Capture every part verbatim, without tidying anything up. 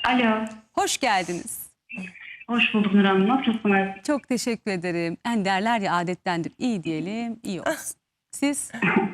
Alo. Hoş geldiniz. Hoş bulduk Nur Hanım. Nasılsınız? Çok teşekkür ederim. Yani derler ya adettendir. İyi diyelim, iyi olsun. Siz?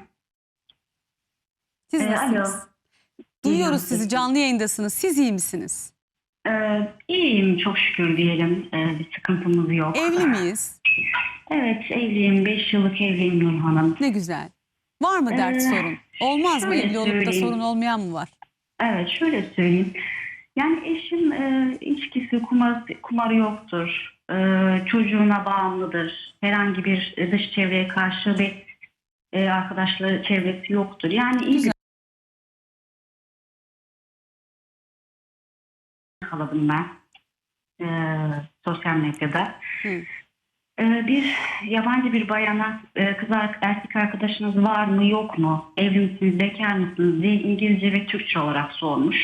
Siz Ee, nasılsınız? alo. Duyuyoruz İyiyim, sizi, canlı yayındasınız. Siz iyi misiniz? Ee, iyiyim çok şükür diyelim. Ee, bir sıkıntımız yok. Evli miyiz? Evet evliyim. Beş yıllık evliyim Nur Hanım. Ne güzel. Var mı dert, Ee, sorun? Olmaz mı? şöyle Evli olup da söyleyeyim. sorun olmayan mı var? Evet şöyle söyleyeyim. Yani eşim e, içkisi, kumar, kumarı yoktur. E, çocuğuna bağımlıdır. Herhangi bir e, dış çevreye karşı bir e, arkadaşlığı çevresi yoktur. Yani iyi Güzel. bir yakaladım ben. E, sosyal medyada. Hı. Ee, Bir yabancı bir bayana e, kız ar- erkek arkadaşınız var mı yok mu, evli misiniz, bekar mısınız diye İngilizce ve Türkçe olarak sormuş.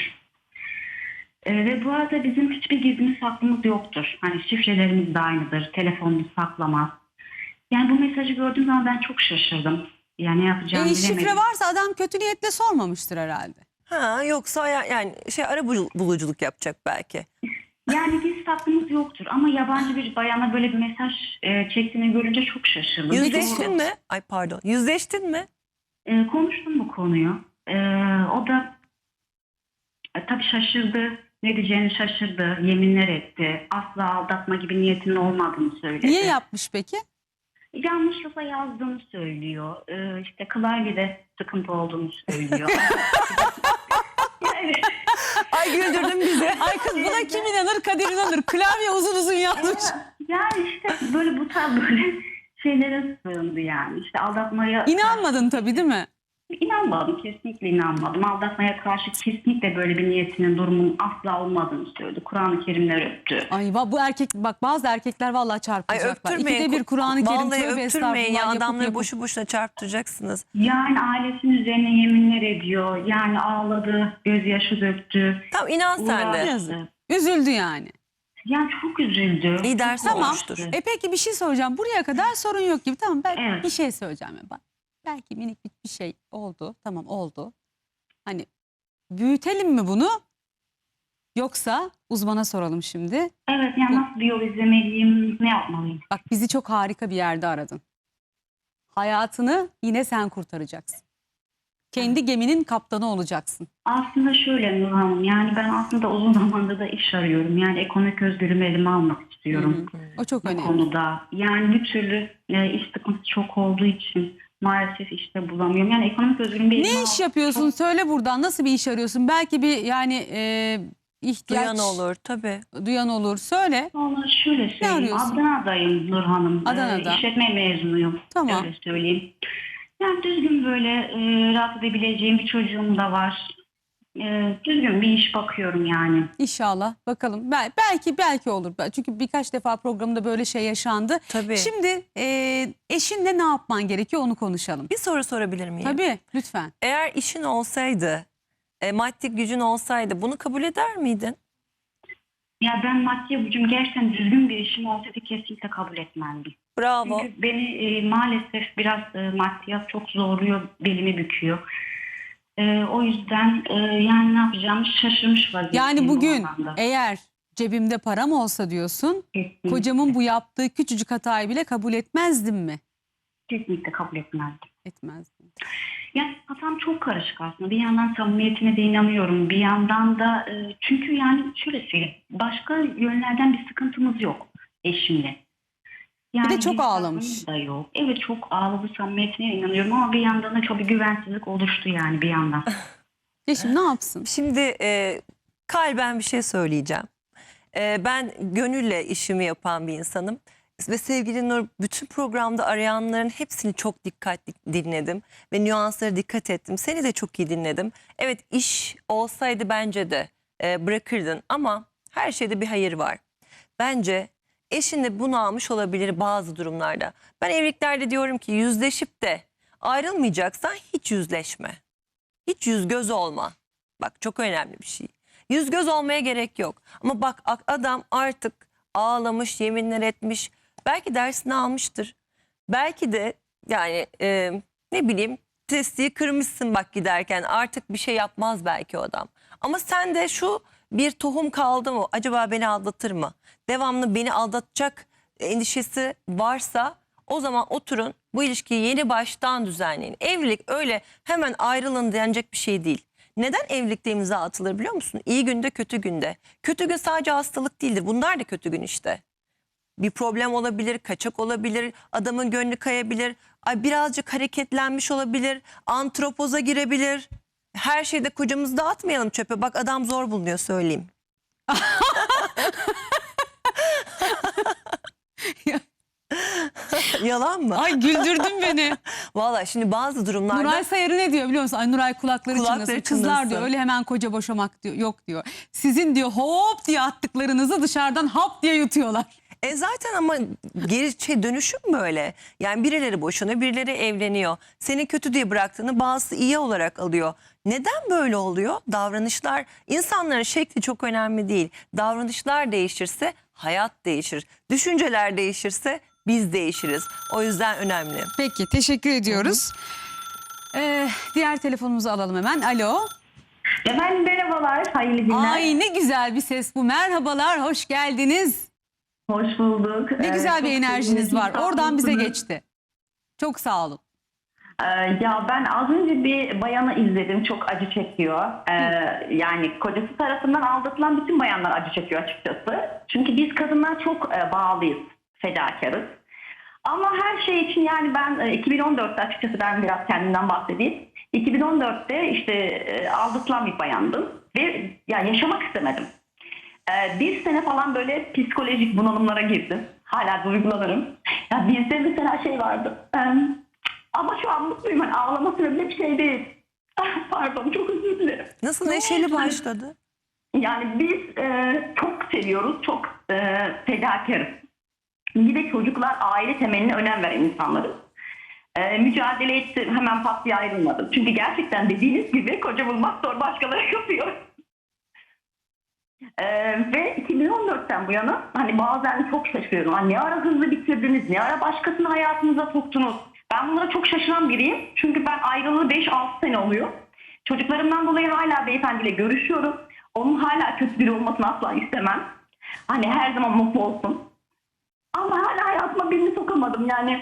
Ee, ve bu arada bizim hiçbir gizlimiz saklımız yoktur. Hani şifrelerimiz de aynıdır, telefonumuz saklamaz. Yani bu mesajı gördüğüm zaman ben çok şaşırdım. Yani ne yapacağımı E, bilemedim. şifre varsa adam kötü niyetle sormamıştır herhalde. Ha, yoksa ya- yani şey ara bul- buluculuk yapacak belki. Yani biz saklımız yoktur ama yabancı bir bayana böyle bir mesaj e, çektiğini görünce çok şaşırdım. Yüzleştin Doğru. mi? Ay pardon. Yüzleştin mi? E, konuştum bu konuyu. E, o da e, tabii şaşırdı. Ne diyeceğini şaşırdı. Yeminler etti. Asla aldatma gibi niyetinin olmadığını söyledi. Niye yapmış peki? Yanlışlıkla yazdığını söylüyor. E, işte klavyede sıkıntı olduğunu söylüyor. Yani, Ay güldürdün bizi. Ay kız buna kim inanır? Kadir inanır. Klavye uzun uzun yazmış. yani işte böyle bu tarz böyle şeylere sığındı yani. İşte aldatmaya... İnanmadın tabii değil mi? İnanmadım, kesinlikle inanmadım. Aldatmaya karşı kesinlikle böyle bir niyetinin, durumun asla olmadığını söyledi. Kur'an-ı Kerimler öptü. Ay va- bu erkek bak bazı erkekler vallahi Ay çarpılacaklar. öptürmeyin. İkide bir Kur'an-ı Kerim Vallahi tövbe öptürmeyin ya, estağfurullah yapıp adamları yapıp. boşu boşuna çarptıracaksınız. Yani ailesinin üzerine yeminler ediyor. Yani ağladı, gözyaşı döktü. Tamam, inan sen de. uğraştı. Yazık. Üzüldü yani. Yani çok üzüldü. İyi ders Çok Tamam. olmuştur. uğraştı. E peki bir şey soracağım. Buraya kadar sorun yok gibi. Tamam ben Evet. bir şey söyleyeceğim. Ya. Bak, belki minik bir bir şey oldu. Tamam oldu. Hani büyütelim mi bunu? Yoksa uzmana soralım şimdi. Evet, yani nasıl bir yol izlemeliyim, ne yapmalıyım? Bak bizi çok harika bir yerde aradın. Hayatını yine sen kurtaracaksın. Kendi geminin kaptanı olacaksın. Aslında şöyle Nur Hanım, yani ben aslında uzun zamandır da iş arıyorum. Yani ekonomik özgürlüğümü elime almak istiyorum. Hı hı. O çok Bu önemli. konuda. Yani bir türlü e, iş sıkıntısı çok olduğu için maalesef işte bulamıyorum. Yani ekonomik özgürlüğümü elime Ne iş almak yapıyorsun? çok- Söyle buradan. Nasıl bir iş arıyorsun? Belki bir yani e, ihtiyaç Duyan olur tabii. duyan olur. Söyle. Vallahi şöyle söyleyeyim. arıyorsun? Adana'dayım Nur Hanım. Adana'da. Ee, işletme mezunuyum. Tamam. Öyle söyleyeyim. Yani düzgün böyle e, rahat edebileceğim bir çocuğum da var. E, düzgün bir iş bakıyorum yani. İnşallah. Bakalım. Bel- belki belki olur. Çünkü birkaç defa programda böyle şey yaşandı. Tabii. Şimdi e, eşinle ne yapman gerekiyor onu konuşalım. Bir soru sorabilir miyim? Tabii lütfen. Eğer işin olsaydı, e, maddi gücün olsaydı bunu kabul eder miydin? Ya ben maddi gücüm gerçekten düzgün bir işim olsaydı kesinlikle kabul etmezdim. Bravo. Çünkü beni e, maalesef biraz e, maddiyat çok zorluyor, belimi büküyor. E, o yüzden e, yani ne yapacağımı şaşırmış vaziyeteyim. Yani bu bugün anlamda. eğer cebimde param olsa diyorsun, Kesinlikle. kocamın bu yaptığı küçücük hatayı bile kabul etmezdim mi? Kesinlikle kabul etmezdim. Etmezdim. Yani hatam çok karışık aslında. Bir yandan samimiyetine de inanıyorum. Bir yandan da e, çünkü yani şöyle söyleyeyim. Başka yönlerden bir sıkıntımız yok eşimle. Yani Bir de çok bir ağlamış. sıkıntımız da yok. Evet çok ağladı, samimiyetine inanıyorum ama bir yandan da çok bir güvensizlik oluştu yani bir yandan. Eşim ne yapsın? Şimdi e, kalben bir şey söyleyeceğim. E, ben gönülle işimi yapan bir insanım. Ve sevgili Nur, bütün programda arayanların hepsini çok dikkatli dinledim. Ve nüanslara dikkat ettim. Seni de çok iyi dinledim. Evet, iş olsaydı bence de e, bırakırdın. Ama her şeyde bir hayır var. Bence eşin de bunu almış olabilir bazı durumlarda. Ben evliliklerde diyorum ki yüzleşip de ayrılmayacaksan hiç yüzleşme. Hiç yüz göz olma. Bak çok önemli bir şey. Yüz göz olmaya gerek yok. Ama bak adam artık ağlamış, yeminler etmiş. Belki dersini almıştır. Belki de yani e, ne bileyim testiyi kırmışsın bak giderken. Artık bir şey yapmaz belki o adam. Ama sen de şu bir tohum kaldı mı? Acaba beni aldatır mı? Devamlı beni aldatacak endişesi varsa o zaman oturun, bu ilişkiyi yeni baştan düzenleyin. Evlilik öyle hemen ayrılın denecek bir şey değil. Neden evlilikte imza atılır biliyor musun? İyi günde, kötü günde. Kötü gün sadece hastalık değildir. Bunlar da kötü gün işte. Bir problem olabilir, kaçak olabilir, adamın gönlü kayabilir, ay birazcık hareketlenmiş olabilir, antropoza girebilir. Her şeyde kocamızı dağıtmayalım çöpe. Bak adam zor bulunuyor söyleyeyim. Yalan mı? Ay güldürdün beni. Valla şimdi bazı durumlarda... Nuray Sayarı ne diyor biliyor musun? Ay Nuray kulakları, Kulakları çınlasın. Kızlar çınlasın. diyor öyle hemen koca boşamak diyor, yok diyor. Sizin diyor hop diye attıklarınızı dışarıdan hap diye yutuyorlar. E zaten ama geri şey dönüşüm böyle. Yani birileri boşanıyor, birileri evleniyor. Seni kötü diye bıraktığını bazısı iyi olarak alıyor. Neden böyle oluyor? Davranışlar, insanların şekli çok önemli değil. Davranışlar değişirse hayat değişir. Düşünceler değişirse biz değişiriz. O yüzden önemli. Peki teşekkür ediyoruz. Ee, diğer telefonumuzu alalım hemen. Alo. Efendim merhabalar, hayırlı günler. Ay ne güzel bir ses bu. Merhabalar, hoş geldiniz. Hoş bulduk. Ne Ee, güzel çok bir enerjiniz var. sevindim. Oradan bize Sağ olun. geçti. Çok sağ olun. Ee, ya ben az önce bir bayanı izledim, çok acı çekiyor. Ee, yani kocası tarafından aldatılan bütün bayanlar acı çekiyor açıkçası. Çünkü biz kadınlar çok e, bağlıyız, fedakarız. Ama her şey için yani ben e, iki bin on dörtte açıkçası ben biraz kendimden bahsedeyim. iki bin on dörtte işte e, aldatılan bir bayandım ve ya yaşamak istemedim. Ee, bir sene falan böyle psikolojik bunalımlara girdim. Hala duygulanırım. Ya bizde mesela şey vardı. Ee, ama şu an mutluyum. Hani ağlama sebebi bir şey değil. Ah, pardon, çok özür dilerim. Nasıl neşeli başladı? Yani biz e, çok seviyoruz. Çok e, fedakarız. Bir de çocuklar aile temeline önem veren insanlarız. E, mücadele ettim. Hemen pat diye ayrılmadım. Çünkü gerçekten dediğiniz gibi koca bulmak zor, başkaları yapıyor. Ee, ve iki bin on dörtten bu yana hani bazen çok şaşırıyorum. Hani ne ara hızlı bitirdiniz, ne ara başkasını hayatınıza soktunuz. Ben bunlara çok şaşıran biriyim. Çünkü ben ayrılalı beş altı sene oluyor. Çocuklarımdan dolayı hala beyefendiyle görüşüyorum. Onun hala kötü biri olmasını asla istemem. Hani her zaman mutlu olsun. Ama hala hayatıma birini sokamadım yani.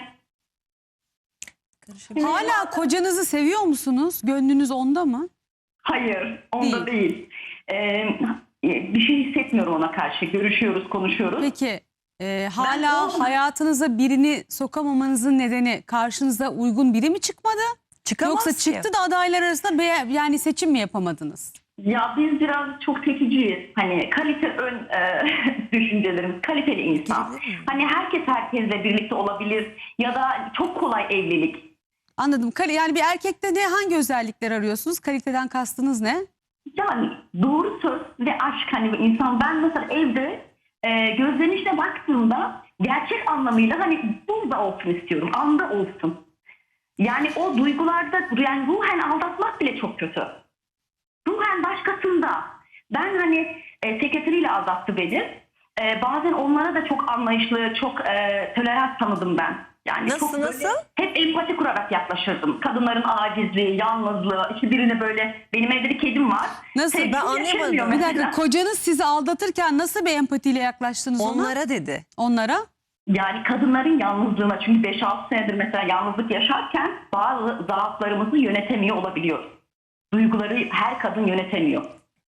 Hala kocanızı seviyor musunuz? Gönlünüz onda mı? Hayır, onda değil. Ee, bir şey hissetmiyorum ona karşı. Görüşüyoruz, konuşuyoruz. Peki e, hala Ben- hayatınıza birini sokamamanızın nedeni karşınıza uygun biri mi çıkmadı? Çıkamaz Yoksa ki. çıktı da adaylar arasında be yani seçim mi yapamadınız? Ya biz biraz çok seçiciyiz. Hani kalite ön e, düşüncelerimiz, kaliteli insan. Girebilir miyim? Hani herkes herkesle birlikte olabilir ya da çok kolay evlilik. Anladım. Kali- Yani bir erkekte ne hangi özellikler arıyorsunuz? Kaliteden kastınız ne? Yani doğru söz ve aşk, hani insan, ben mesela evde e, gözlerinin içine baktığımda gerçek anlamıyla hani burada olsun istiyorum, anda olsun. Yani o duygularda, yani ruhen aldatmak bile çok kötü. Ruhen başkasında. Ben hani e, sekreteriyle aldattı beni. E, bazen onlara da çok anlayışlı, çok e, tolerans tanıdım ben. Yani Nasıl, çok böyle nasıl? hep empati kurarak yaklaşırdım. Kadınların acizliği, yalnızlığı, işte birine böyle, benim evde bir kedim var. Nasıl? Sevgili Ben anlayamadım. yaşamıyor Bir mesela. dakika, kocanız sizi aldatırken nasıl bir empatiyle yaklaştınız ona? Onlara dedi. Onlara? Yani kadınların yalnızlığına, çünkü beş altı senedir mesela yalnızlık yaşarken bazı zaaflarımızı yönetemiyor olabiliyoruz. Duyguları her kadın yönetemiyor.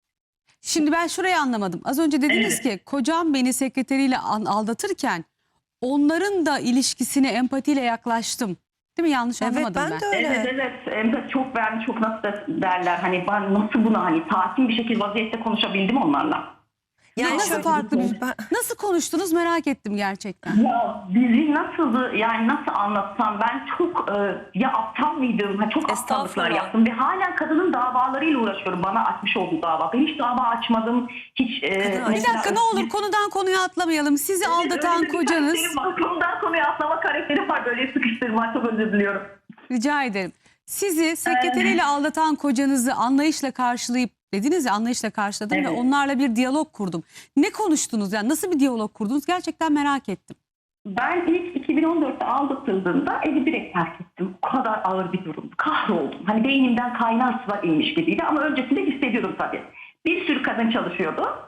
Şimdi ben şurayı anlamadım. Az önce dediniz ki kocam beni sekreteriyle an- aldatırken onların da ilişkisine empatiyle yaklaştım. Değil mi? Yanlış Evet, anlamadım ben ben. de öyle. Evet evet, empati çok verdim, çok nasıl da derler, hani ben nasıl buna hani sakin bir şekilde vaziyette konuşabildim onlarla. Yani Nasıl şöyle- farklı bir... Ben- Nasıl konuştunuz merak ettim gerçekten. Ya bizi nasıldı, yani nasıl anlatsam, ben çok e, ya aptal mıydım, ha, çok aptallıklar Estağfurullah. yaptım ve hala kadının davalarıyla uğraşıyorum, bana açmış olduğu dava. Ben hiç dava açmadım, hiç. e, Kadın- Bir mesela- dakika ne olur konudan konuya atlamayalım. Sizi aldatan Öyle bir kocanız... karakterim var. Konudan konuya atlama karakteri var, böyle sıkıştırma, çok özür diliyorum. Rica ederim. Sizi sekreteriyle aldatan kocanızı anlayışla karşılayıp dediniz ya anlayışla karşıladım ve Evet. onlarla bir diyalog kurdum. Ne konuştunuz yani nasıl bir diyalog kurdunuz gerçekten merak ettim. Ben ilk iki bin on dörtte aldatıldığımda evi direkt terk ettim. O kadar ağır bir durum. Kahroldum. Hani beynimden kaynar sular inmiş gibiydi ama öncesinde hissediyordum tabii. Bir sürü kadın çalışıyordu.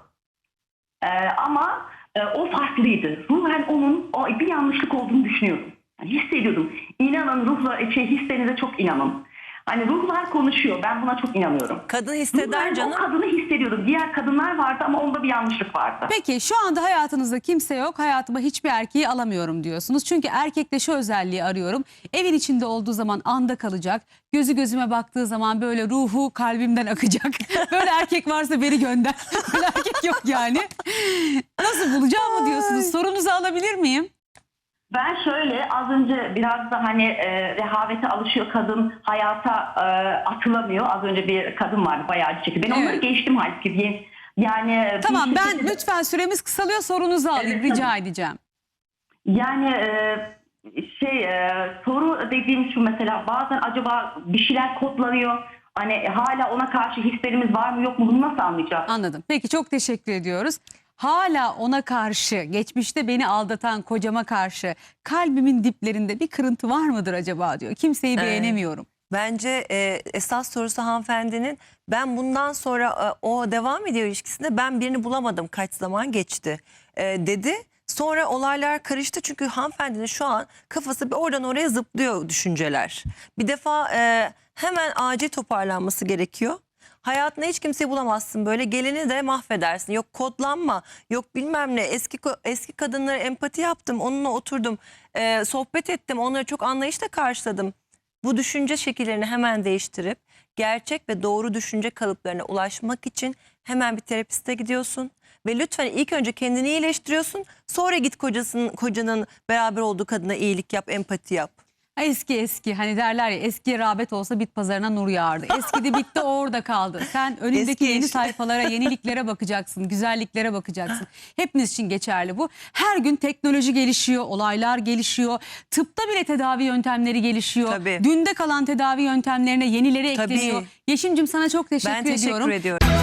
Ee, ama e, o farklıydı. Ruhen onun o, bir yanlışlık olduğunu düşünüyordum. Yani hissediyordum. İnanın ruhla, şey, hislerinize çok inanın. Hani ruhlar konuşuyor. Ben buna çok inanıyorum. Kadın hisseder Ruhen canım. o kadını hissediyordum. Diğer kadınlar vardı ama onda bir yanlışlık vardı. Peki şu anda hayatınızda kimse yok. Hayatıma hiçbir erkeği alamıyorum diyorsunuz. Çünkü erkekte şu özelliği arıyorum. Evin içinde olduğu zaman anda kalacak. Gözü gözüme baktığı zaman böyle ruhu kalbimden akacak. Böyle erkek varsa beni gönder. Böyle erkek yok yani. Nasıl bulacağım mı diyorsunuz? Sorunuzu alabilir miyim? Ben şöyle az önce biraz da hani e, rehavete alışıyor kadın, hayata e, atılamıyor. Az önce bir kadın vardı bayağı çekti. Ben onları Evet. geçtim halbuki. Yani Tamam bir ben şekilde- lütfen süremiz kısalıyor, sorunuzu alayım Evet, rica tabii. edeceğim. Yani e, şey e, soru dediğim şu, mesela bazen acaba bir şeyler kodlanıyor. Hani hala ona karşı hislerimiz var mı yok mu, bunu nasıl anlayacağız? Anladım. Peki çok teşekkür ediyoruz. Hala ona karşı, geçmişte beni aldatan kocama karşı kalbimin diplerinde bir kırıntı var mıdır acaba diyor. Kimseyi Evet. beğenemiyorum. Bence e, esas sorusu hanımefendinin, ben bundan sonra e, o devam ediyor ilişkisinde, ben birini bulamadım, kaç zaman geçti e, dedi. Sonra olaylar karıştı çünkü hanımefendinin şu an kafası bir oradan oraya zıplıyor düşünceler. Bir defa e, hemen acil toparlanması gerekiyor. Hayatında hiç kimseyi bulamazsın, böyle geleni de mahvedersin. Yok kodlanma, yok bilmem ne. Eski ko- eski kadınlara empati yaptım, onunla oturdum, e, sohbet ettim, onları çok anlayışla karşıladım. Bu düşünce şekillerini hemen değiştirip gerçek ve doğru düşünce kalıplarına ulaşmak için hemen bir terapiste gidiyorsun. Ve lütfen ilk önce kendini iyileştiriyorsun. Sonra git kocasının, kocanın beraber olduğu kadına iyilik yap, empati yap. Eski eski hani derler ya, eskiye rağbet olsa bit pazarına nur yağardı. Eskidi bitti, o orada kaldı. Sen önündeki Eski yeni eş. sayfalara, yeniliklere bakacaksın, güzelliklere bakacaksın. Hepiniz için geçerli bu. Her gün teknoloji gelişiyor, olaylar gelişiyor. Tıpta bile tedavi yöntemleri gelişiyor. Tabii. Dünde kalan tedavi yöntemlerine yenileri Tabii. ekleniyor. Yeşim'cim sana çok teşekkür Ben teşekkür ediyorum. ediyorum.